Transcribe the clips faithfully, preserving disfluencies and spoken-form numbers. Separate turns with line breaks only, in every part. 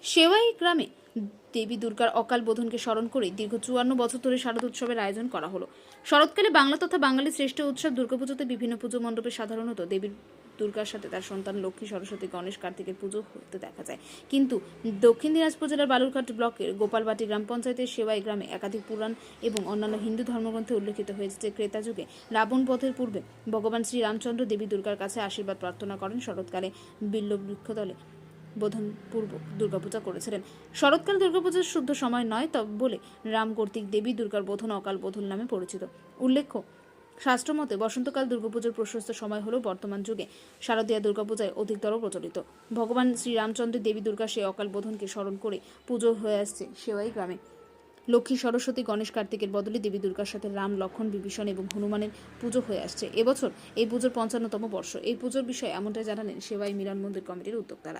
সেওয়াই গ্রামে দেবী দুর্গার অকাল বোধনকে স্মরণ করে দীর্ঘ চুয়ান্ন বছর ধরে শারদ উৎসবের আয়োজন করা হলো। শরৎকালে বাংলা তথা বাঙালির শ্রেষ্ঠ উৎসব দুর্গাপুজোতে বিভিন্ন পুজো মণ্ডপে সাধারণত দেবীর দুর্গার সাথে তার সন্তান লক্ষ্মী, সরস্বতী, গণেশ, কার্তিকের পুজো হতে দেখা যায়। কিন্তু দক্ষিণ দিনাজপুর জেলার বালুরঘাট ব্লকের গোপালবাটি গ্রাম পঞ্চায়েতের সেওয়াই গ্রামে একাধিক পুরাণ এবং অন্যান্য হিন্দু ধর্মগ্রন্থে উল্লেখিত হয়েছে যে ক্রেতা যুগে রাবণ বধের পূর্বে ভগবান শ্রী রামচন্দ্র দেবী দুর্গার কাছে আশীর্বাদ প্রার্থনা করেন। শরৎকালে বিল্ল বৃক্ষতলে বোধন পূর্ব দুর্গাপূজা করেছিলেন। শরৎকাল দুর্গাপূজার শুদ্ধ সময় নয় তবে বলে রাম কর্তৃক দেবী দুর্গার বোধন অকাল বোধন নামে পরিচিত। উল্লেখ্য, শাস্ত্রমতে বসন্তকাল দুর্গাপূজার প্রশস্ত সময় হলেও বর্তমান যুগে শারদীয়া দুর্গাপূজায় অধিকতর প্রচলিত। ভগবান শ্রীরামচন্দ্রের দেবী দুর্গা সেই অকাল বোধনকে স্মরণ করে পুজো হয়ে আসছে সেওয়াই গ্রামে। লক্ষ্মী, সরস্বতী, গণেশ, কার্তিকের বদলে দেবী দুর্গার সাথে রাম, লক্ষ্মণ, বিভীষণ এবং হনুমানের পুজো হয়ে আসছে। এবছর এই পুজোর পঞ্চান্নতম বর্ষ। এই পুজোর বিষয়ে এমনটাই জানালেন সেওয়াই মিলন মন্দির কমিটির উদ্যোক্তারা।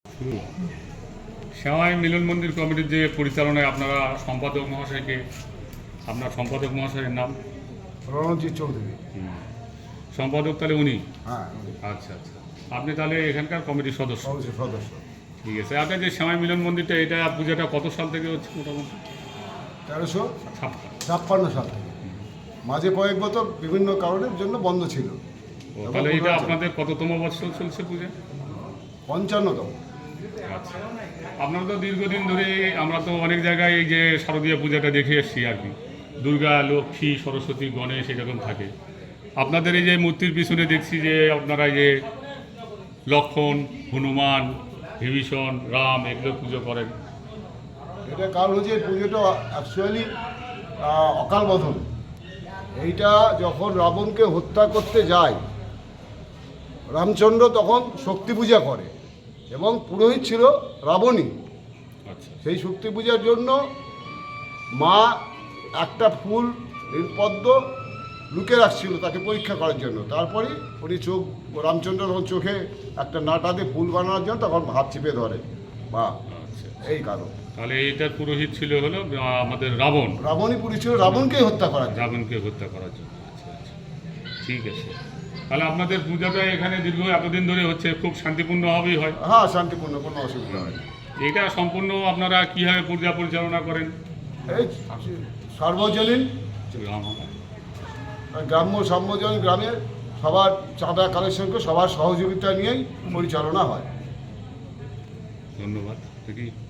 সেওয়াই মিলন মন্দির কমিটির যে পরিচালনায় আপনারা সম্পাদক মহাশয়কে, আপনার সম্পাদক মহাশয়ের নাম
রণজিৎ চৌধুরী।
সম্পাদক তাহলে উনি?
হ্যাঁ,
আচ্ছা আচ্ছা, আপনি তাহলে এখানকার কমিটির সদস্য?
সদস্য।
ঠিক আছে। আপনার যে সেওয়াই মিলন মন্দিরটা, এটা পূজাটা কত সাল থেকে হচ্ছে মোটামুটি?
তেরোশো
ছাপ্পান্ন
ছাপ্পান্ন সাল থেকে। মাঝে কয়েক বছর বিভিন্ন কারণের জন্য বন্ধ ছিল।
ও, তাহলে এটা আপনাদের কততম বৎসর চলছে পূজা?
পঞ্চান্নতম।
আচ্ছা, আপনারা তো দীর্ঘদিন ধরে, আমরা তো অনেক জায়গায় এই যে শারদীয়া পূজাটা দেখে এসেছি আর কি, দুর্গা, লক্ষ্মী, সরস্বতী, গণেশ এরকম থাকে। আপনাদের এই যে মূর্তির পিছনে দেখছি যে আপনারা এই যে লক্ষ্মণ, হনুমান, বিভীষণ, রাম এগুলো পুজো করেন।
এটা কারণ হচ্ছে এই পুজোটা অ্যাকচুয়ালি অকাল বোধন। এইটা যখন রাবণকে হত্যা করতে যায় রামচন্দ্র, তখন শক্তি পূজা করে এবং পুরোহিত ছিল রাবণী।
আচ্ছা,
সেই শক্তি পূজার জন্য মা একটা ফুল নীলপদ্ম লুকে রাখছিল তাকে পরীক্ষা করার জন্য। তারপরে উনি চোখ, রামচন্দ্র তখন চোখে একটা নাটা দিয়ে ফুল বানানোর জন্য তখন হাত চিপে ধরে মা।
আচ্ছা,
এই কারণ।
তাহলে এইটার পুরোহিত ছিল হলো আহ, আমাদের রাবণ।
রাবণী পুরী ছিল রাবণকেই হত্যা করার জন্য।
রাবণকে হত্যা করার জন্য। আচ্ছা আচ্ছা, ঠিক আছে। তাহলে আপনাদের পূজাটা এখানে দীর্ঘ এতদিন ধরে হচ্ছে, খুব শান্তিপূর্ণভাবেই হয়?
হ্যাঁ, শান্তিপূর্ণ, কোনো অসুবিধা হয় না।
এটা সম্পূর্ণ আপনারা কীভাবে পূজা পরিচালনা করেন?
এই সার্বজনীন গ্রাম্য সার্বজনীন গ্রামের সবার চাঁদা কালেকশনকে সবার সহযোগিতা নিয়েই পরিচালনা হয়।
ধন্যবাদ। ঠিকই।